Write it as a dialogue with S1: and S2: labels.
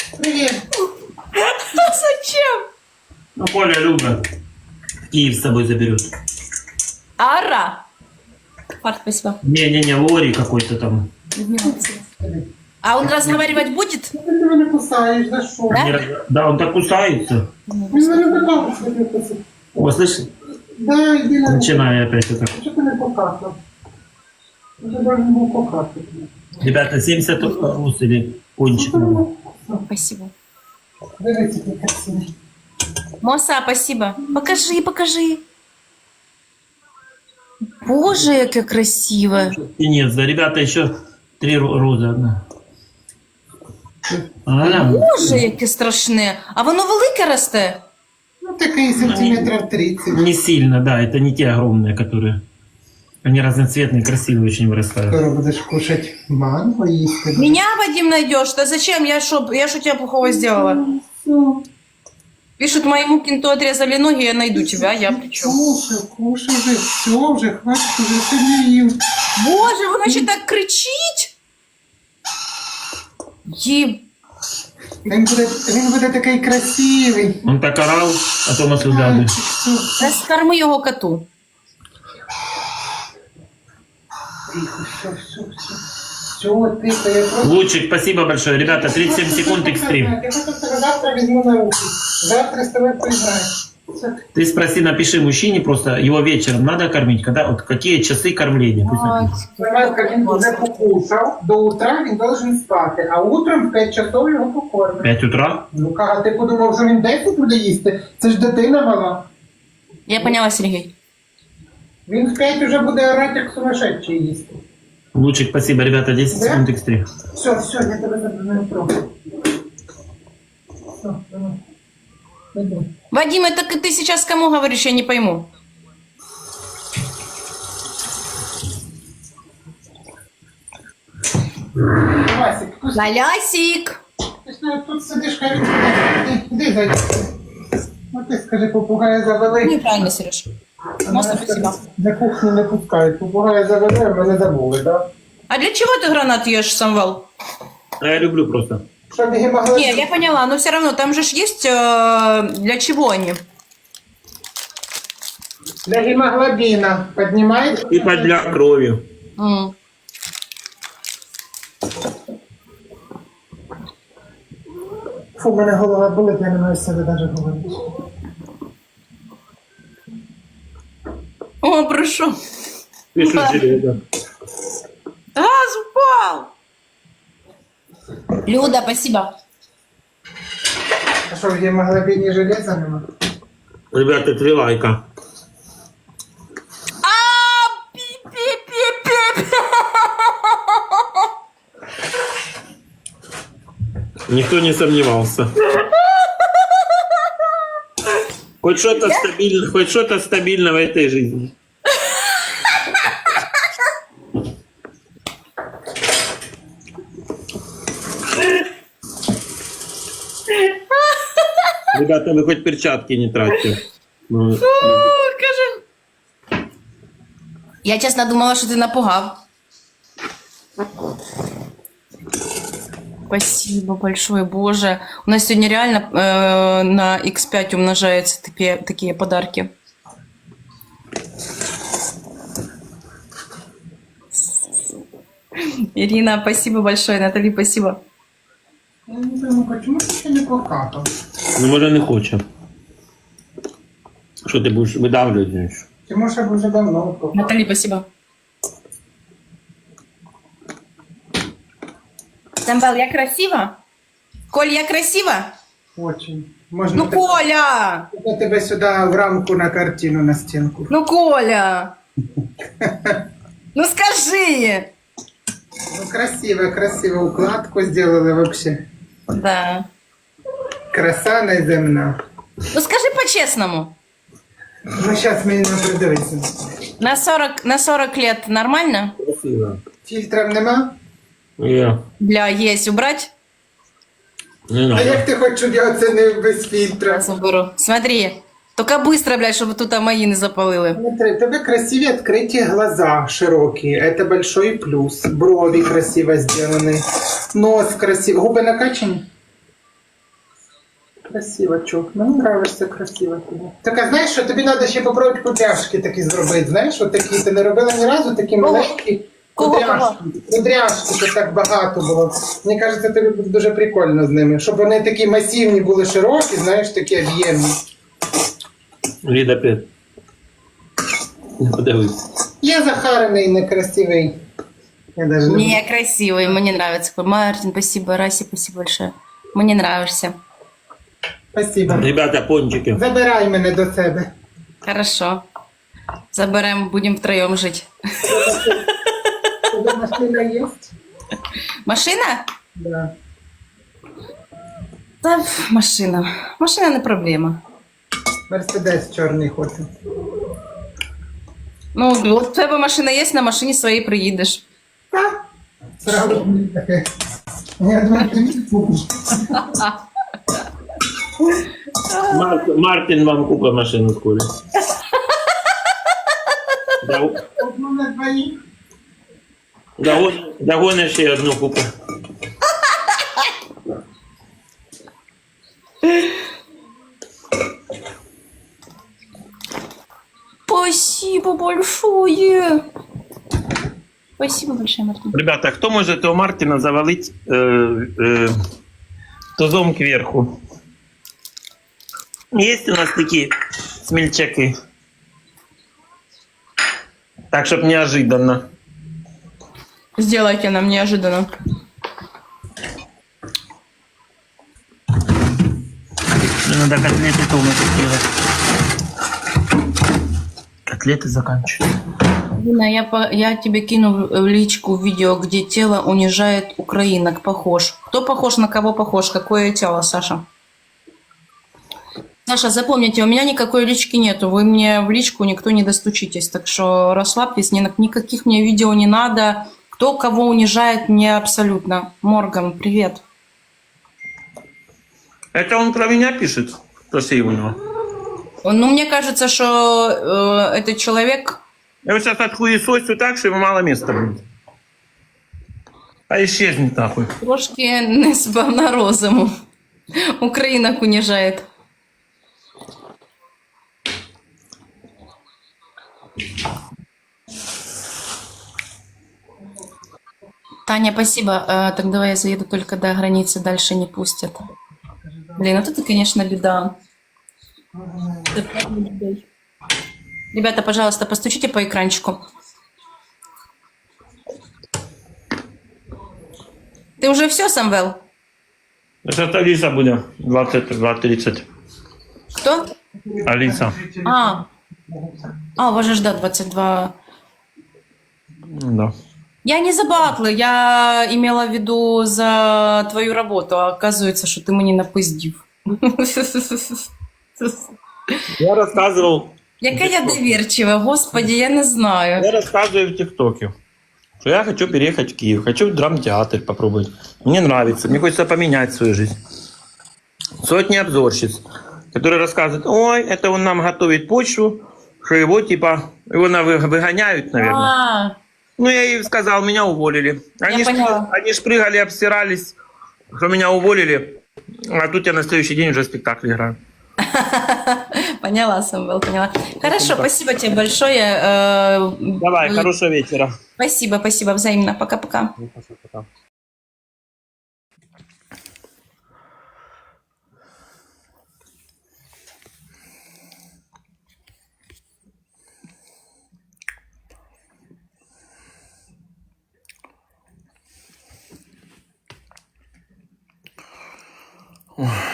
S1: Привет.
S2: Зачем?
S3: Ну, Коля любит. Киев с собой заберет.
S2: Ара. Фарт, спасибо.
S3: Не-не-не, Лори какой-то там.
S2: А он разговаривать будет?
S1: Ты меня кусаешь, за что?
S2: Да?
S3: Да, он так кусается.
S1: Ты меня покакал, что ты кусаешь.
S3: О, слышишь?
S1: Да, иди на...
S3: Начинаю опять это.
S1: Что ты не покакал? Ты должен был покакать.
S3: Ребята, 70 рус или кончик надо.
S2: Спасибо.
S1: Дивіться, який красивий.
S2: Моса, спасибо. Покажи, покажи. Боже, яке красиве.
S3: И нет, да, ребята, еще 3 розы одна.
S2: Боже, яке страшне. А воно велике росте?
S1: Ну, такий сантиметрів 30.
S3: Не сильно, да, это не те огромные, которые... Они разноцветные, красивые очень вырастают.
S1: Скоро будеш кушать манго їсти.
S2: Меня, Вадим, найдешь? Да зачем? Я что тебя плохого сделала? Пишут, моему кенту отрезали ноги, я найду тебя, я при чем?
S1: Кушай вже, все, вже хватить, вже сьогодні їв.
S2: Боже, воно ще так кричить. Їм.
S1: Він буде такий красивий.
S3: Он так орал, а то нас угадывает.
S1: Все,
S2: Скорми його коту.
S1: тихо, все. Все, тихо, я просто...
S3: Лучик, спасибо большое. Ребята, 37 секунд экстрим.
S1: Я просто тебе завтра візьму на руки. Завтра з тобою поіграю. Все.
S3: Ты спроси, напиши мужчине просто, его вечером надо кормить, когда, вот какие часы кормления. Пусть напишет.
S1: Давай, він вже покушав, до утра він должен спати, а утром в 5 часов його покормить.
S3: 5 утра?
S1: Ну, кага, ти подумав, що він 10 буде їсти? Це ж дитина мала.
S2: Я поняла, Сергій.
S1: Він в 5 вже буде орати, як сумасшедший їсти.
S3: Лучик, спасибо, ребята, 10
S1: Да?
S3: секунд экстрим.
S1: Все, я тебе забираю трохи. Все, давай. Іди.
S2: Вадим, это ты сейчас кому говоришь, я не пойму.
S1: Васик,
S2: Лялясик.
S1: ти ж тут сидиш, хай він іди, зайди. Ну ти скажи, попугая завели.
S2: Неправильно, Сереж. Моса, спасибо.
S1: За кухню не пускають. Попугая завели, а мене забули, так?
S2: А для чего ты гранат ешь, Самвел?
S3: А я люблю просто.
S1: Щоб гемоглобін...
S2: Не, я поняла, но все равно, там же ж есть для чего они?
S1: Для гемоглобіна піднімають.
S3: Типа для крови.
S2: М.
S1: Фу, у мене голова болить, я не маю з себе навіть говорити.
S2: О, прошу.
S3: Пишут
S2: Да.
S3: железо.
S2: Газ упал. Люда, спасибо.
S1: А що, в гемоглобіні железа нема?
S3: Ребята, 3 лайка.
S2: А, пи-пи-пи-пи.
S3: Никто не сомневался. Хоть что-то стабильно в этой жизни. Ребята, вы хоть перчатки не тратьте. Ну,
S2: Кажи. Я чесно думала, що ти напугав. Спасибо большое, Боже. У нас сегодня реально на X5 умножаются такие подарки. Ирина, спасибо большое. Натали, спасибо.
S1: Я не пойму, чому ти ще не покакав?
S3: ну може не хоче. Що ти будеш видавлювати? Знаєш?
S1: Ти може б вже давно покакав.
S2: Натали, спасибо. Самвел, я красива? Коль, я красива?
S1: Очень. Можна
S2: Ну, Коля!
S1: я тебе сюди в рамку на картину на стінку.
S2: Ну, Коля! Ну, скажи!
S1: Ну, красиво, укладку сделали вообще.
S2: Да.
S1: Краса неземна.
S2: Ну, скажи по-честному.
S1: Ну, зараз мені не придивиться.
S2: На 40 лет нормально?
S3: Красиво.
S1: Фільтрів нема?
S3: Я.
S2: Бля, есть убрать?
S3: Не
S1: А
S3: надо.
S1: як ти хочеш, щоб я оцінив без фільтра?
S2: Сейчас уберу. Смотри. Только быстро, блядь, чтобы тут мои не запалили.
S1: Смотри, у тебе красиві відкриті глаза широкі. Это большой плюс. Брови красиво сделаны. Нос красивый. Губи накачані? Красиво, чук. Мені нравишся красиво тобі. Так, а знаєш, що тобі треба ще попробувати кудряшки такі зробити, знаєш, от такі, ти не робила ні разу, такі маленькі кудряшки. Кудряшки, що так багато було. Мені кажеться, тобі буде дуже прикольно з ними, щоб вони такі масивні були, широкі, знаєш, такі об'ємні.
S3: Лида, привет. Подивись.
S1: Я захарений, некрасивий. Я даже не...
S2: Не, красивый, мне нравится. Мартин, спасибо, Раси, спасибо большое. Мне нравишься.
S1: Спасибо.
S3: Ребята, пончики.
S1: Забирай мене до себе.
S2: Хорошо. Заберем, будем втроем жить.
S1: Тебе машина є?
S2: Машина?
S1: Да.
S2: Да, машина. Машина не проблема.
S1: Мерседес чорний хочу.
S2: Ну, от в тебе машина є, на машині своїй приїдеш.
S1: Так. Сразу мені таке. Я думаю, ти мені купиш.
S3: Мартин вам купит машину скоро.
S1: Одну на двоїх.
S3: Догонишь ще одну купу.
S2: Спасибо большое. Спасибо большое, Мартин.
S3: Ребята, кто может у Мартина завалить тузом кверху? Есть у нас такие смельчаки? Так, чтоб неожиданно.
S2: Сделайте нам неожиданно.
S3: Мне надо котлеты тоже сделать. Котлеты заканчиваются.
S2: Дина, я тебе кину в личку видео, где тело унижает украинок. Похож. Кто похож на кого похож? Какое тело, Саша? Саша, запомните, у меня никакой лички нету. Вы мне в личку никто не достучитесь. Так что расслабьтесь, никаких мне видео не надо. Кто кого унижает, мне абсолютно. Морган, привет.
S3: Это он про меня пишет? Спроси у него.
S2: Ну, мне кажется, что этот человек...
S3: Я вот сейчас отхуесосю так, что ему мало места будет. А исчезнет нахуй.
S2: Трошки не сповна розуму. Українок унижает. Таня, спасибо. Так давай я заеду только до границы, дальше не пустят. Блин, вот это, конечно, беда. Ребята, пожалуйста, постучите по экранчику. Ты уже все, Самвел?
S3: Сейчас Алиса будет 22:30.
S2: Кто?
S3: Алиса.
S2: У вас же ждать 22.
S3: Ну да.
S2: Я не за батлы, я имела в виду за твою работу, а оказывается, что ты мне напиздив.
S3: Я рассказывал.
S2: Яка я доверчива, господи, я не знаю.
S3: Я рассказываю в ТикТоке, что я хочу переехать в Киев, хочу в драмтеатр попробовать. Мне нравится, мне хочется поменять свою жизнь. Сотни обзорщиц, которые рассказывают, ой, это он нам готовит почву, что его типа, его выгоняют, наверное. Ну, я ей сказал, меня уволили. Они ж прыгали, обсирались, что меня уволили, а тут я на следующий день уже спектакль играю.
S2: Поняла, Самвел, поняла. Хорошо, спасибо тебе большое.
S3: Давай, хорошего вечера.
S2: Спасибо, спасибо, взаимно. Пока-пока.
S3: Пока. Ой.